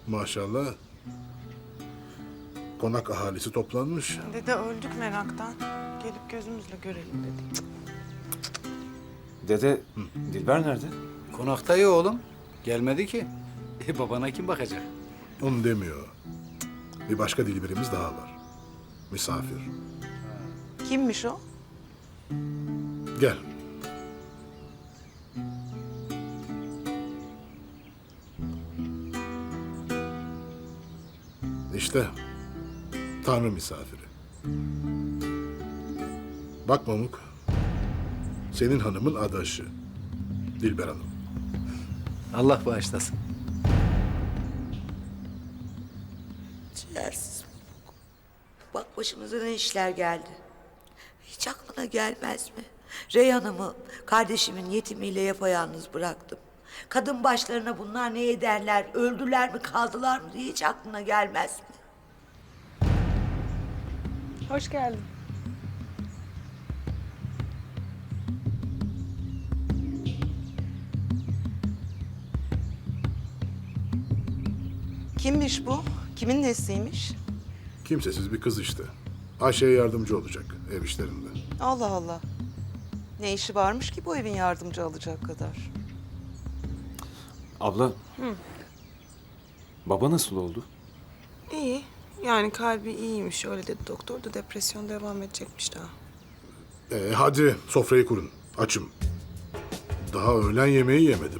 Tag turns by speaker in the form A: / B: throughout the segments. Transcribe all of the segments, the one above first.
A: Maşallah. Konak ahalisi toplanmış.
B: Dede öldük meraktan. Gelip gözümüzle görelim dedik.
C: Dede, Dilber nerede?
D: Konakta ya oğlum. Gelmedi ki. Babana kim bakacak?
A: Onu demiyor. Bir başka Dilberimiz daha var. Misafir.
B: Kimmiş o?
A: Gel. İşte Tanrı misafiri. Bak Mamuk, senin hanımın adaşı. Dilber Hanım.
D: Allah bağışlasın.
E: Ciğersiz. Bak başımıza ne işler geldi. Hiç aklına gelmez mi? Reyhan'ımı kardeşimin yetimiyle yapayalnız bıraktım. Kadın başlarına bunlar ne ederler, öldüler mi kaldılar mı diye hiç aklına gelmez mi?
B: Hoş geldin. Kimmiş bu? Kimin nesiymiş?
A: Kimsesiz bir kız işte. Ayşe'ye yardımcı olacak ev işlerinde.
B: Allah Allah. Ne işi varmış ki bu evin yardımcı alacak kadar?
C: Abla. Baba nasıl oldu?
B: İyi. Yani kalbi iyiymiş. Öyle dedi doktor da depresyon devam edecekmiş daha.
A: Hadi sofrayı kurun. Açım. Daha öğlen yemeği yemedim.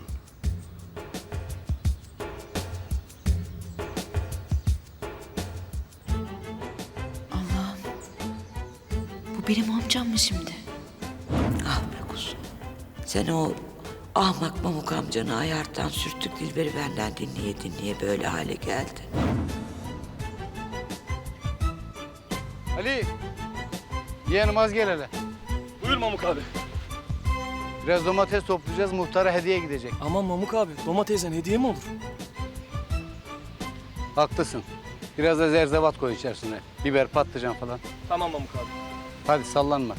F: Bu benim amcam mı şimdi?
E: Ah be kuzum. Sen o ahmak Mamuk amcanı ayarttan sürttük Dilber'i benden dinleye dinleye böyle hale geldi.
D: Ali! Yeğenim az gel hele.
G: Buyur Mamuk abi.
D: Biraz domates toplayacağız, muhtara hediye gidecek.
G: Aman Mamuk abi, domatesten hediye mi olur?
D: Haklısın. Biraz da zerzevat koy içerisine. Biber, patlıcan falan.
G: Tamam Mamuk abi.
D: Hadi sallanma.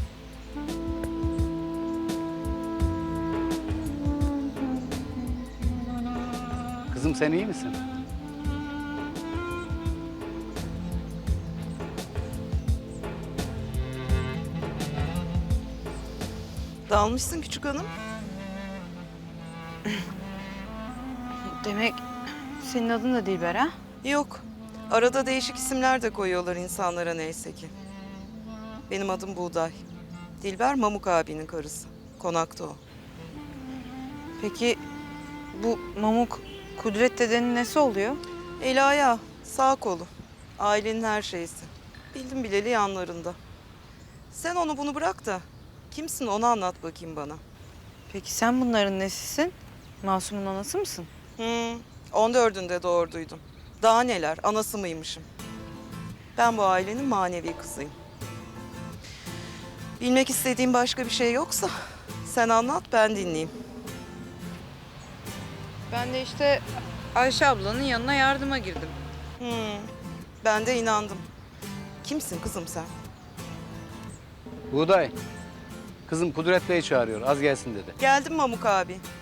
D: Kızım sen iyi misin?
B: Dalmışsın küçük hanım.
F: Demek senin adın da Dilber ha?
B: Yok. Arada değişik isimler de koyuyorlar insanlara neyse ki. Benim adım Buğday. Dilber Mamuk abinin karısı. Konakta o.
F: Peki bu Mamuk Kudret dedenin nesi oluyor?
B: Eli ayağı, sağ kolu. Ailenin her şeysi. Bildim bileli yanlarında. Sen onu bunu bırak da kimsin onu anlat bakayım bana.
F: Peki sen bunların nesisin? Masum'un anası mısın?
B: 14'ünde doğurduydum. Daha neler, anası mıymışım. Ben bu ailenin manevi kızıyım. Bilmek istediğin başka bir şey yoksa sen anlat, ben dinleyeyim.
F: Ben de işte Ayşe ablanın yanına yardıma girdim.
B: Ben de inandım. Kimsin kızım sen?
D: Buğday. Kızım Kudret Bey çağırıyor. Az gelsin dedi.
B: Geldim Mamuk abi.